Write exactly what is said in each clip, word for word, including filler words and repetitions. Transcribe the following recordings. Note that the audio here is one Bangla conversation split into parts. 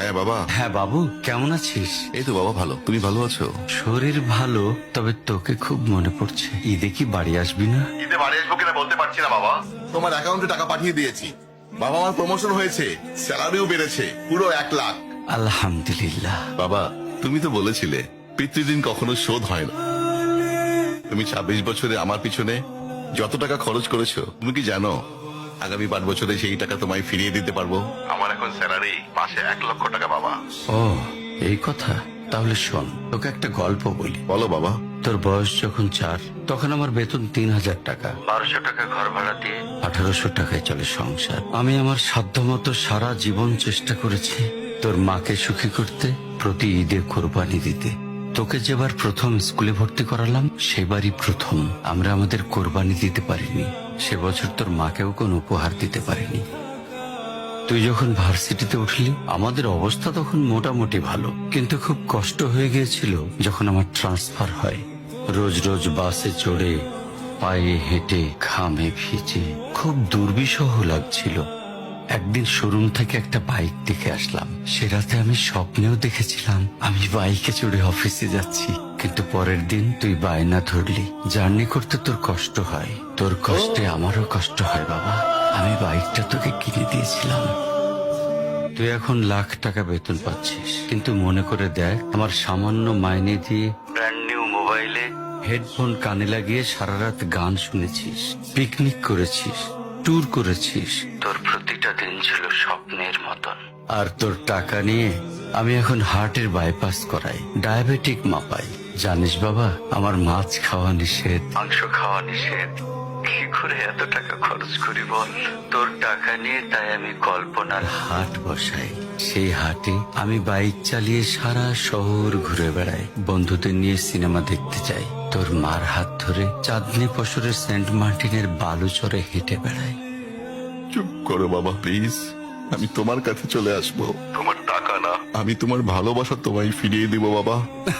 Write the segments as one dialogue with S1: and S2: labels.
S1: হ্যাঁ বাবা।
S2: হ্যাঁ বাবু, কেমন আছিস?
S1: এই তো বাবা ভালো, তুমি ভালো আছো?
S2: শরীর ভালো, তবে তোকে খুব মনে পড়ছে। ঈদে কি বাড়ি আসবি না?
S1: ঈদে বাড়ি আসবো কিনা বলতে পারছি না বাবা। তোমার অ্যাকাউন্টে টাকা পাঠিয়ে দিয়েছি বাবা, আমার প্রমোশন হয়েছে, স্যালারিও বেড়েছে পুরো এক লাখ।
S2: আলহামদুলিল্লাহ।
S1: বাবা তুমি তো বলেছিলে পিতৃদিন কখনো শোধ হয় না। তুমি ছাব্বিশ বছরে আমার পিছনে যত টাকা খরচ করেছো, তুমি কি জানো আগামী পাঁচ বছরে সেই টাকা তোমায় ফিরিয়ে দিতে পারবো। আমার এখন স্যালারি মাসে এক লক্ষ টাকা বাবা।
S2: ও এই কথা, তাহলে শোন, তোকে একটা গল্প বলি।
S1: বলো বাবা।
S2: তোর বয়স যখন চার, তখন আমার বেতন তিন হাজার টাকা। বারোশো টাকা ঘর ভাড়া দিয়ে আঠারোশো টাকায় চলে সংসার। আমি আমার সাধ্যমতো সারা জীবন চেষ্টা করেছি তোর মাকে সুখী করতে, প্রতি ঈদে কোরবানি দিতে। তোকে যেবার প্রথম স্কুলে ভর্তি করালাম, সেবারই প্রথম আমরা আমাদের কোরবানি দিতে পারিনি। সে বছর তোর মাকেও কোনো উপহার দিতে পারিনি। তুই যখন ভার্সিটিতে উঠলি, আমাদের অবস্থা তখন মোটামুটি ভালো, কিন্তু খুব কষ্ট হয়ে গিয়েছিল যখন আমার ট্রান্সফার হয়। রোজ রোজ বাসে চড়ে, পায়ে হেঁটে, ঘামে ভিজে খুব দুর্বিষহ লাগছিল। একদিন শোরুম থেকে একটা বাইক দেখে আসলাম। সে রাতে আমি স্বপ্নেও দেখেছিলাম আমি বাইকে চড়ে অফিসে যাচ্ছি। কিন্তু পরের দিন তুই বায়না ধরলি, জার্নি করতে তোর কষ্ট হয়। তোর কষ্টে আমারও কষ্ট হয় বাবা। আমি বাইকটা তোকে কিনে দিয়েছিলাম। তুই এখন লাখ টাকা বেতন পাচ্ছিস, কিন্তু মনে করে দেখ, আমার সামান্য মাইনে দিয়ে ব্র্যান্ড নিউ মোবাইলে হেডফোন কানে লাগিয়ে সারা রাত গান শুনেছিস, পিকনিক করেছিস, ট্যুর করেছিস। তোর প্রতিটা দিন ছিল স্বপ্নের মতন। আর তোর টাকা নিয়ে আমি এখন হার্টের বাইপাস করাই, ডায়াবেটিক মাপাই। জানিস বাবা, আমার মাছ খাওয়া নিষেধ, মাংস খাওয়া নিষেধ। কি করে এত টাকা খরচ করি বল? তোর টাকা নিয়ে তাই আমি কল্পনার হাট বসাই। সেই হাটে আমি বাইক চালিয়ে সারা শহর ঘুরে বেড়াই, বন্ধুদের নিয়ে সিনেমা দেখতে যাই, তোর মার হাত ধরে চাঁদনি পশরের সেন্ট মার্টিনের বালুচরে হেঁটে বেড়াই।
S1: চুপ করো বাবা প্লিজ, আমি তোমার কাছে চলে আসবো। তোমার টাকা না, আমি তোমার ভালোবাসা তোমায় ফিরিয়ে দিব বাবা।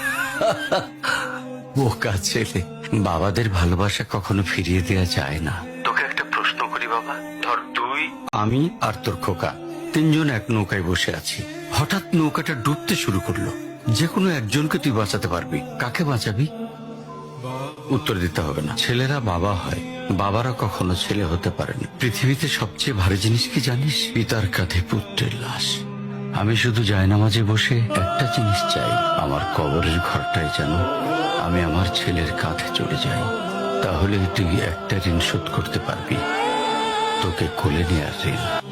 S2: বোকা ছেলে, বাবাদের ভালোবাসা কখনো ফিরিয়ে দেওয়া যায় না। তোকে একটা প্রশ্ন করি বাবা, ধর তুই, আমি আর তোর খোকা তিনজন এক নৌকায় বসে আছি। হঠাৎ নৌকাটা ডুবতে শুরু করলো। যে কোনো একজনকে তুই বাঁচাতে পারবি, কাকে বাঁচাবি? উত্তর দিতে হবে না। ছেলেরা বাবা হয়, বাবারা কখনো ছেলে হতে পারেনি। পৃথিবীতে সবচেয়ে ভারী জিনিস কি জানিস? পিতার কাঁধে পুত্রের লাশ। আমি শুধু জায়নামাজে বসে একটা জিনিস চাই, আমার কবরের ঘরটায় যেন আমি আমার ছেলের কাঁধে চলে যাই। তাহলে তুই একটা ঋণ শোধ করতে পারবি, তোকে কোলে নেয়ার ঋণ।